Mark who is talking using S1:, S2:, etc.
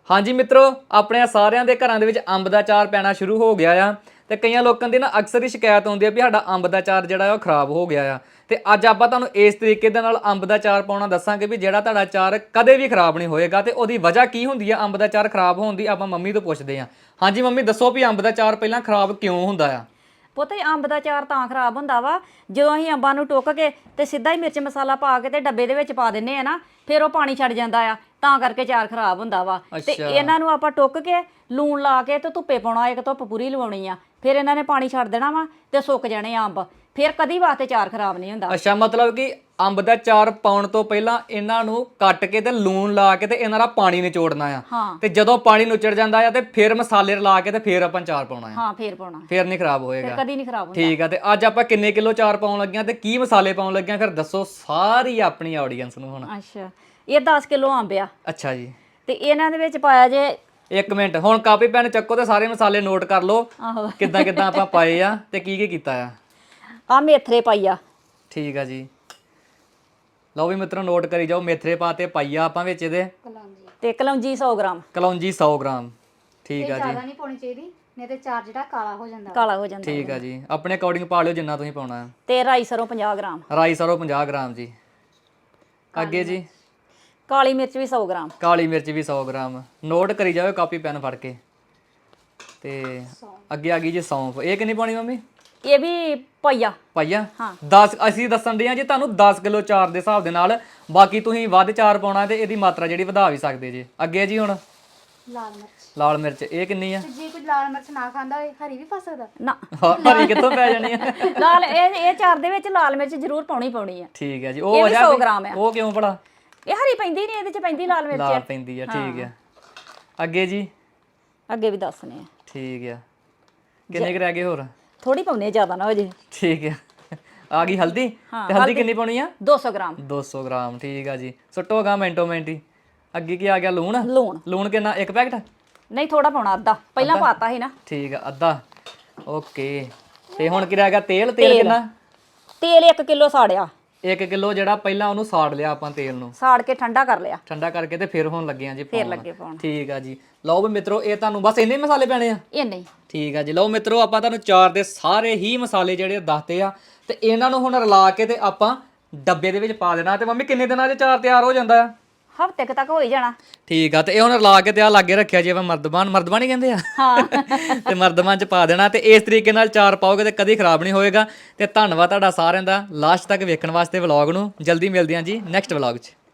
S1: ਹਾਂਜੀ ਮਿੱਤਰੋ, ਆਪਣੇ ਸਾਰਿਆਂ ਦੇ ਘਰਾਂ ਦੇ ਵਿੱਚ ਅੰਬ ਦਾ ਅਚਾਰ ਪੈਣਾ ਸ਼ੁਰੂ ਹੋ ਗਿਆ ਆ ਤੇ ਕਈਆਂ ਲੋਕਾਂ ਦੀ ਨਾ ਅਕਸਰ ਹੀ ਸ਼ਿਕਾਇਤ ਆਉਂਦੀ ਆ ਵੀ ਸਾਡਾ ਅੰਬ ਦਾ ਅਚਾਰ ਜਿਹੜਾ ਉਹ ਖਰਾਬ ਹੋ ਗਿਆ ਆ। ਤੇ ਅੱਜ ਆਪਾਂ ਤੁਹਾਨੂੰ ਇਸ ਤਰੀਕੇ ਦੇ ਨਾਲ ਅੰਬ ਦਾ ਅਚਾਰ ਪਾਉਣਾ ਦੱਸਾਂਗੇ ਵੀ ਜਿਹੜਾ ਤੁਹਾਡਾ ਅਚਾਰ ਕਦੇ ਵੀ ਖਰਾਬ ਨਹੀਂ ਹੋਏਗਾ। ਤੇ ਉਹਦੀ ਵਜ੍ਹਾ ਕੀ ਹੁੰਦੀ ਆ ਅੰਬ ਦਾ ਅਚਾਰ ਖਰਾਬ ਹੋਣ ਦੀ, ਆਪਾਂ ਮੰਮੀ ਤੋਂ ਪੁੱਛਦੇ ਹਾਂ। ਹਾਂਜੀ ਮੰਮੀ, ਦੱਸੋ ਵੀ ਅੰਬ ਦਾ ਅਚਾਰ ਪਹਿਲਾਂ ਖਰਾਬ ਕਿਉਂ ਹੁੰਦਾ ਆ?
S2: ਪੁੱਤ ਅੰਬ ਦਾ ਅਚਾਰ ਤਾਂ ਖਰਾਬ ਹੁੰਦਾ ਵਾ ਜਦੋਂ ਅਸੀਂ ਅੰਬਾਂ ਨੂੰ ਟੁੱਕ ਕੇ ਤੇ ਸਿੱਧਾ ਹੀ ਮਿਰਚ ਮਸਾਲਾ ਪਾ ਕੇ ਤੇ ਡੱਬੇ ਦੇ ਵਿੱਚ ਪਾ ਦਿੰਨੇ ਆ ਨਾ, ਫਿਰ ਉਹ ਪਾਣੀ ਛੱਡ ਜਾਂਦਾ ਆ, ਤਾਂ ਕਰਕੇ ਅਚਾਰ ਖਰਾਬ ਹੁੰਦਾ ਵਾ। ਤੇ ਇਹਨਾਂ ਨੂੰ ਆਪਾਂ ਟੁੱਕ ਕੇ ਲੂਣ ਲਾ ਕੇ ਤੇ ਧੁੱਪੇ ਪਾਉਣਾ, ਇੱਕ ਧੁੱਪ ਪੂਰੀ ਲਵਾਉਣੀ ਆ, ਫਿਰ ਇਹਨਾਂ ਨੇ ਪਾਣੀ ਛੱਡ ਦੇਣਾ ਵਾ ਤੇ ਸੁੱਕ ਜਾਣੇ ਅੰਬ, ਫਿਰ ਕਦੀ ਵਾਸਤੇ ਅਚਾਰ ਖਰਾਬ ਨਹੀਂ ਹੁੰਦਾ।
S1: ਅੱਛਾ, ਮਤਲਬ ਕਿ ਅੰਬ ਦਾ ਅਚਾਰ ਪਾਉਣ ਤੋਂ ਪਹਿਲਾਂ ਇਹਨਾਂ ਨੂੰ ਕੱਟ ਕੇ ਤੇ ਲੂਣ ਲਾ ਕੇ ਤੇ ਇਹਨਾਂ ਦਾ ਪਾਣੀ ਨਿਚੋੜਨਾ ਆ, ਤੇ ਜਦੋਂ ਪਾਣੀ ਨੁਚੜ ਜਾਂਦਾ ਆ ਤੇ ਫਿਰ ਮਸਾਲੇ ਰਲਾ ਕੇ ਤੇ ਫਿਰ ਆਪਾਂ ਅਚਾਰ ਪਾਉਣਾ ਆ।
S2: ਹਾਂ, ਫਿਰ ਪਾਉਣਾ,
S1: ਫਿਰ ਨਹੀਂ ਖਰਾਬ ਹੋਏਗਾ,
S2: ਫਿਰ ਕਦੀ ਨਹੀਂ ਖਰਾਬ ਹੁੰਦਾ।
S1: ਠੀਕ ਆ। ਤੇ ਅੱਜ ਆਪਾਂ ਕਿੰਨੇ ਕਿਲੋ ਅਚਾਰ ਪਾਉਣ ਲੱਗਿਆ ਤੇ ਕੀ ਮਸਾਲੇ ਪਾਉਣ ਲੱਗਿਆ, ਫਿਰ ਦੱਸੋ ਸਾਰੀ ਆਪਣੀ ਆਡੀਅנס ਨੂੰ ਹੁਣ।
S2: ਅੱਛਾ, ਇਹ 10 ਕਿਲੋ ਅੰਬ ਆ।
S1: ਅੱਛਾ ਜੀ।
S2: ਤੇ ਇਹਨਾਂ ਦੇ ਵਿੱਚ ਪਾਇਆ ਜੇ,
S1: ਇੱਕ ਮਿੰਟ, ਹੁਣ ਕਾਪੀ ਪੈਨ ਚੱਕੋ ਤੇ ਸਾਰੇ ਮਸਾਲੇ ਨੋਟ ਕਰ ਲਓ
S2: ਆਹੋ
S1: ਕਿੱਦਾਂ ਕਿੱਦਾਂ ਆਪਾਂ ਪਾਏ ਆ ਤੇ ਕੀ ਕੀਤਾ ਆ।
S2: ਆ ਮੇਥਰੇ ਪਾਈ ਆ।
S1: ਠੀਕ ਆ ਜੀ, ਲਓ ਵੀ ਮਿੱਤਰੋ ਨੋਟ ਕਰੀ ਜਾਓ। ਮੇਥਰੇ ਪਾਤੇ ਪਾਈਆ ਆਪਾਂ ਵਿੱਚ ਇਹਦੇ,
S2: ਤੇ ਕਲੌਂਜੀ 100 ਗ੍ਰਾਮ।
S1: ਕਲੌਂਜੀ 100 ਗ੍ਰਾਮ। ਠੀਕ ਆ ਜੀ।
S3: ਜ਼ਿਆਦਾ ਨਹੀਂ ਪਾਉਣੀ ਚਾਹੀਦੀ, ਨਹੀਂ ਤੇ ਚਾਰ ਜਿਹੜਾ ਕਾਲਾ ਹੋ ਜਾਂਦਾ।
S2: ਕਾਲਾ ਹੋ ਜਾਂਦਾ।
S1: ਠੀਕ ਆ ਜੀ, ਆਪਣੇ ਅਕੋਰਡਿੰਗ ਪਾ ਲਿਓ ਜਿੰਨਾ ਤੁਸੀਂ ਪਾਉਣਾ ਹੈ।
S2: ਤੇ ਰਾਈ ਸਰੋਂ 50 ਗ੍ਰਾਮ।
S1: ਰਾਈ ਸਰੋਂ 50 ਗ੍ਰਾਮ ਜੀ। ਅੱਗੇ ਜੀ,
S2: ਕਾਲੀ ਮਿਰਚ ਵੀ 100 ਗ੍ਰਾਮ।
S1: ਕਾਲੀ ਮਿਰਚ ਵੀ 100 ਗ੍ਰਾਮ। ਨੋਟ ਕਰੀ ਜਾਓ ਕਾਪੀ ਪੈਨ ਫੜ ਕੇ। ਤੇ ਅੱਗੇ ਆ ਗਈ ਜੀ ਸੌਂਫ। ਇਹ ਕਿੰਨੀ ਪਾਉਣੀ ਮੰਮੀ?
S2: ਇਹ ਵੀ ਪਾਈਆ।
S1: ਪਾਈਆ? 10। ਅਸੀਂ ਦੱਸਣ ਦੇ ਆ ਜੀ ਤੁਹਾਨੂੰ 10 ਕਿਲੋ ਚਾਰ ਦੇ ਹਿਸਾਬ ਦੇ ਨਾਲ, ਬਾਕੀ ਤੁਸੀਂ ਵੱਧ ਚਾਰ ਪਾਉਣਾ ਤੇ ਇਹਦੀ ਮਾਤਰਾ ਜਿਹੜੀ ਵਧਾ ਵੀ ਸਕਦੇ ਜੀ। ਅੱਗੇ ਜੀ ਹੁਣ
S3: ਲਾਲ ਮਿਰਚ।
S1: ਲਾਲ ਮਿਰਚ ਇਹ ਕਿੰਨੀ ਆ?
S3: ਤੇ ਜੇ ਕੋਈ ਲਾਲ ਮਿਰਚ ਨਾ ਖਾਂਦਾ ਹੋਏ ਹਰੀ ਵੀ ਪਾ ਸਕਦਾ।
S2: ਨਾ,
S1: ਹਰੀ ਕਿੱਥੋਂ ਪੈ ਜਾਣੀ ਆ?
S2: ਲਾਲ ਇਹ ਚਾਰ ਦੇ ਵਿੱਚ ਲਾਲ ਮਿਰਚ ਜ਼ਰੂਰ ਪਾਉਣੀ ਆ।
S1: ਠੀਕ ਹੈ ਜੀ।
S2: ਇਹ
S1: ਉਹ
S2: ਵੀ 100 ਗ੍ਰਾਮ ਆ।
S1: ਉਹ ਕਿਉਂ ਭਲਾ?
S2: ਇਹ ਹਰੀ ਪੈਂਦੀ ਨਹੀਂ, ਇਹਦੇ ਚ ਪੈਂਦੀ ਲਾਲ ਮਿਰਚ।
S1: ਲਾਲ ਪੈਂਦੀ ਆ, ਠੀਕ ਆ। ਅੱਗੇ ਜੀ,
S2: ਅੱਗੇ ਵੀ ਦੱਸਨੇ ਆ।
S1: ਠੀਕ ਆ। ਕਿੰਨੇ ਕੁ ਰਹਿ ਗਏ ਹੋਰ?
S2: ਥੋੜੀ ਪਾਉਨੇ, ਜ਼ਿਆਦਾ ਨਾ ਹੋ ਜੇ।
S1: ਠੀਕ ਆ। ਆ ਗਈ ਹਲਦੀ। ਤੇ ਹਲਦੀ ਕਿੰਨੀ ਪਾਉਣੀ ਆ?
S2: 200 ਗ੍ਰਾਮ।
S1: 200 ਗ੍ਰਾਮ, ਠੀਕ ਆ ਜੀ। ਸੁੱਟੋਗਾ ਮਿੰਟੋ ਮਿੰਟੀ। ਅੱਗੇ ਕੀ ਆ ਗਿਆ? ਲੂਣ।
S2: ਲੂਣ।
S1: ਲੂਣ ਕਿੰਨਾ? ਇੱਕ ਪੈਕਟ?
S2: ਨਹੀਂ, ਥੋੜਾ ਪਾਉਣਾ, ਅੱਧਾ। ਪਹਿਲਾਂ ਪਾਤਾ ਸੀ ਨਾ।
S1: ਠੀਕ ਆ, ਅੱਧਾ। ਓਕੇ। ਤੇ ਹੁਣ ਕੀ ਰਹਿ ਗਿਆ? ਤੇਲ। ਤੇਲ ਕਿੰਨਾ?
S2: ਤੇਲ 1 ਕਿਲੋ ਸਾੜਿਆ।
S1: 1 ਕਿਲੋ ਜਿਹੜਾ ਪਹਿਲਾਂ ਉਹਨੂੰ ਸਾੜ ਲਿਆ ਆਪਾਂ ਤੇਲ ਨੂੰ,
S2: ਸਾੜ ਕੇ ਠੰਡਾ ਕਰ ਲਿਆ।
S1: ਠੰਡਾ ਕਰਕੇ ਤੇ ਫਿਰ ਹੁਣ ਲੱਗੇ ਆ ਜੀ
S2: ਫਿਰ ਲੱਗੇ ਪਾਉਣ।
S1: ਠੀਕ ਆ ਜੀ। ਲਓ ਵੀ ਮਿੱਤਰੋ, ਇਹ ਤੁਹਾਨੂੰ ਬਸ ਇੰਨੇ ਮਸਾਲੇ ਪੈਣੇ ਆ।
S2: ਇਹ ਨਹੀਂ।
S1: ਠੀਕ ਆ ਜੀ। ਲਓ ਮਿੱਤਰੋ, ਆਪਾਂ ਤੁਹਾਨੂੰ ਚਾਰ ਦੇ ਸਾਰੇ ਹੀ ਮਸਾਲੇ ਜਿਹੜੇ ਦੱਸਦੇ ਆ ਤੇ ਇਹਨਾਂ ਨੂੰ ਹੁਣ ਰਲਾ ਕੇ ਤੇ ਆਪਾਂ ਡੱਬੇ ਦੇ ਵਿੱਚ ਪਾ ਦੇਣਾ। ਤੇ ਮੰਮੀ ਕਿੰਨੇ ਦਿਨਾਂ 'ਚ ਚਾਰ ਤਿਆਰ ਹੋ ਜਾਂਦਾ ਆ?
S2: ਹਫ਼ਤੇ ਤੱਕ ਹੋ ਹੀ ਜਾਣਾ।
S1: ਠੀਕ ਆ। ਤੇ ਇਹ ਹੁਣ ਰਲਾ ਕੇ ਤੇ ਆ ਲਾਗੇ ਰੱਖਿਆ ਜੀ ਆਪਾਂ ਮਰਦਬਾਨ ਹੀ ਕਹਿੰਦੇ ਆ।
S2: ਹਾਂ।
S1: ਤੇ ਮਰਦਬਾਨ 'ਚ ਪਾ ਦੇਣਾ ਤੇ ਇਸ ਤਰੀਕੇ ਨਾਲ ਚਾਰ ਪਾਓਗੇ ਤੇ ਕਦੀ ਖਰਾਬ ਨਹੀਂ ਹੋਏਗਾ। ਤੇ ਧੰਨਵਾਦ ਤੁਹਾਡਾ ਸਾਰਿਆਂ ਦਾ ਲਾਸਟ ਤੱਕ ਵੇਖਣ ਵਾਸਤੇ ਵਲੌਗ ਨੂੰ। ਜਲਦੀ ਮਿਲਦੇ ਹਾਂ ਜੀ ਨੈਕਸਟ ਵਲੌਗ 'ਚ।